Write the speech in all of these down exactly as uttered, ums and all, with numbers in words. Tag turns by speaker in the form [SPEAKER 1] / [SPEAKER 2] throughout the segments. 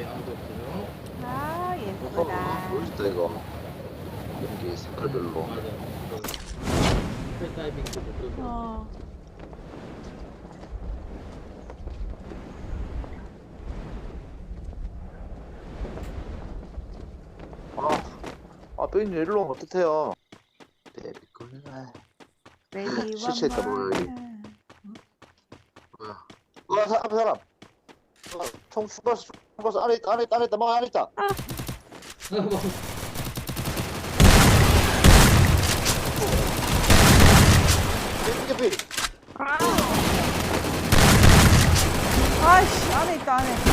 [SPEAKER 1] 네, 아무도 없어요.
[SPEAKER 2] 아, 예쁘다.
[SPEAKER 3] 멋있다 이거. 연기 색깔별로.
[SPEAKER 1] 맞아. 스카이다이빙도 뭐 그런 거.
[SPEAKER 2] 어.
[SPEAKER 3] 아, 아 뼈인 일로 오면 어떡해요? 베비콜.
[SPEAKER 2] 레디
[SPEAKER 3] 실체했다,
[SPEAKER 2] 원만.
[SPEAKER 3] 뭐야, 뭐야? 어, 사람, 사람. 어, 총 슈퍼스, 슈퍼스 안에 있다, 안에 있다, 안에 있다, 막 안에 있다. 개피, 개피.
[SPEAKER 2] 아이씨, 안에 있다, 안에.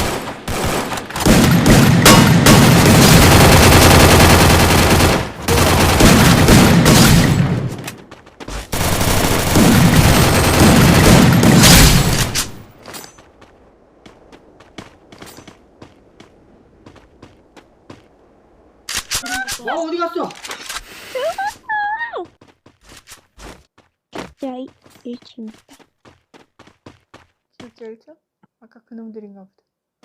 [SPEAKER 1] 와, 어디 갔어?
[SPEAKER 4] 진짜 일 층.
[SPEAKER 2] 진짜 일 층? 아까 그놈들인가 보다.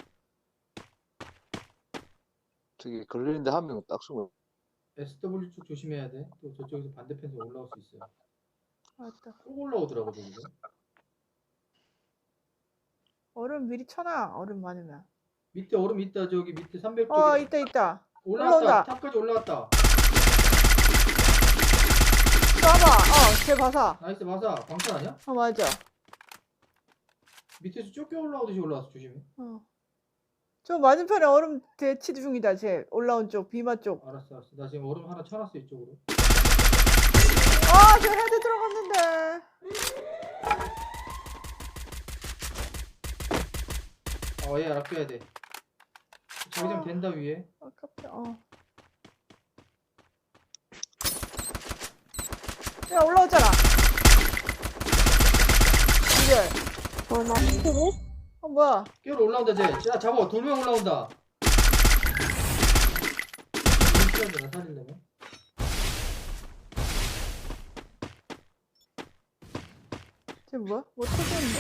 [SPEAKER 3] 저기 걸리는데 한 명은 딱 숨어.
[SPEAKER 1] 에스더블유 쪽 조심해야 돼. 또 저쪽에서 반대편에서 올라올 수 있어요.
[SPEAKER 2] 맞다.
[SPEAKER 1] 꼭 올라오더라고, 저기서.
[SPEAKER 2] 얼음 미리 쳐놔, 얼음 많으면.
[SPEAKER 1] 밑에 얼음 있다, 저기 밑에 삼백 쪽에.
[SPEAKER 2] 어, 있다, 있다.
[SPEAKER 1] 올라왔다.
[SPEAKER 2] 올라온다.
[SPEAKER 1] 탑까지 올라왔다.
[SPEAKER 2] 쏴봐. 어, 쟤 봐서.
[SPEAKER 1] 나이스, 마사. 방탄 아니야?
[SPEAKER 2] 어, 맞아.
[SPEAKER 1] 밑에서 쫓겨 올라오듯이 올라왔어, 조심해.
[SPEAKER 2] 어. 저 맞은편에 얼음 대치 중이다, 쟤. 올라온 쪽, 비마 쪽.
[SPEAKER 1] 알았어, 알았어. 나 지금 얼음 하나 쳐놨어, 이쪽으로.
[SPEAKER 2] 아, 저 헤드 들어갔는데.
[SPEAKER 1] 어, 얘 아껴야 돼. 자기장
[SPEAKER 2] 어.
[SPEAKER 1] 된다, 위에.
[SPEAKER 2] 아깝다, 어. 야, 올라오잖아. 이제.
[SPEAKER 4] 어, 나 스트레스?
[SPEAKER 2] 어, 뭐야.
[SPEAKER 1] 깨로 올라온다, 쟤. 야, 잡아. 돌명 올라온다. 이거 나 살리려면.
[SPEAKER 2] 쟤 뭐야? 뭐 터졌는데?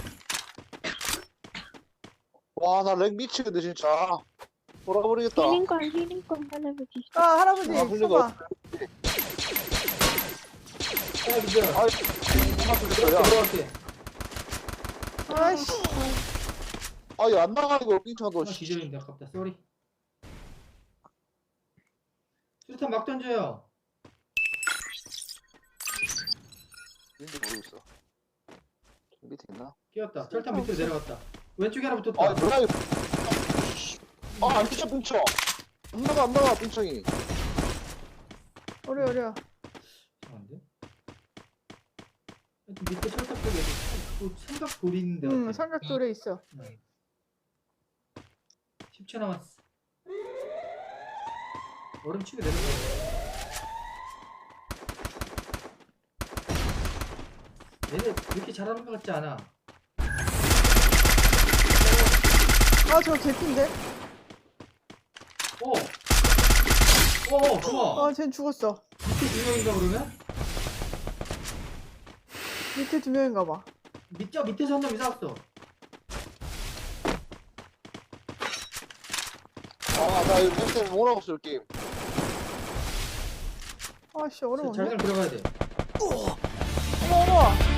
[SPEAKER 3] 와, 나 렉 미치겠네, 진짜. 돌아버리겠다.
[SPEAKER 4] 힐링건, 힐링건 할아버지.
[SPEAKER 2] 아, 할아버지,
[SPEAKER 3] 아, 흘리고.
[SPEAKER 2] 써봐.
[SPEAKER 1] 하나 기절.
[SPEAKER 3] 아이, 고맙습니다, 야.
[SPEAKER 1] 들어갈게.
[SPEAKER 2] 아이씨.
[SPEAKER 3] 아이, 안 나가, 이거, 빙창도.
[SPEAKER 1] 하나 기절인데, 아깝다. 쏘리. 수류탄 막 던져요.
[SPEAKER 3] 뭔지 모르겠어. 밑에 있나?
[SPEAKER 1] 끼었다. 철탑 밑으로 내려갔다. 왼쪽에 하나
[SPEAKER 3] 아,
[SPEAKER 1] 붙었다.
[SPEAKER 3] 뭐야, 이거. 아, 안 뛰어, 빙창. 안 나가, 안 나가, 빙창이.
[SPEAKER 2] 어려, 어려.
[SPEAKER 1] 이상한데? 하여튼 밑에 철탑 쪽에 또 삼각 돌이 있는데.
[SPEAKER 2] 응,
[SPEAKER 1] 같아.
[SPEAKER 2] 삼각돌에 있어.
[SPEAKER 1] 응. 십 초 남았어. 얼음 치고 내려가. 얘네 그렇게 잘하는 것 같지 않아.
[SPEAKER 2] 아, 저거 개핀데?
[SPEAKER 1] 어! 어, 어, 좋아.
[SPEAKER 2] 아, 쟨 죽었어.
[SPEAKER 1] 밑에 두 명인가 그러면?
[SPEAKER 2] 밑에 두 명인가 봐.
[SPEAKER 1] 밑에, 밑에서 한 놈이 싸웠어.
[SPEAKER 3] 아, 나 이거 펜스 뭐라고 쓸 게임.
[SPEAKER 2] 아씨, 얼음 없네.
[SPEAKER 1] 자기장 들어가야 돼.
[SPEAKER 2] 어머, 어머.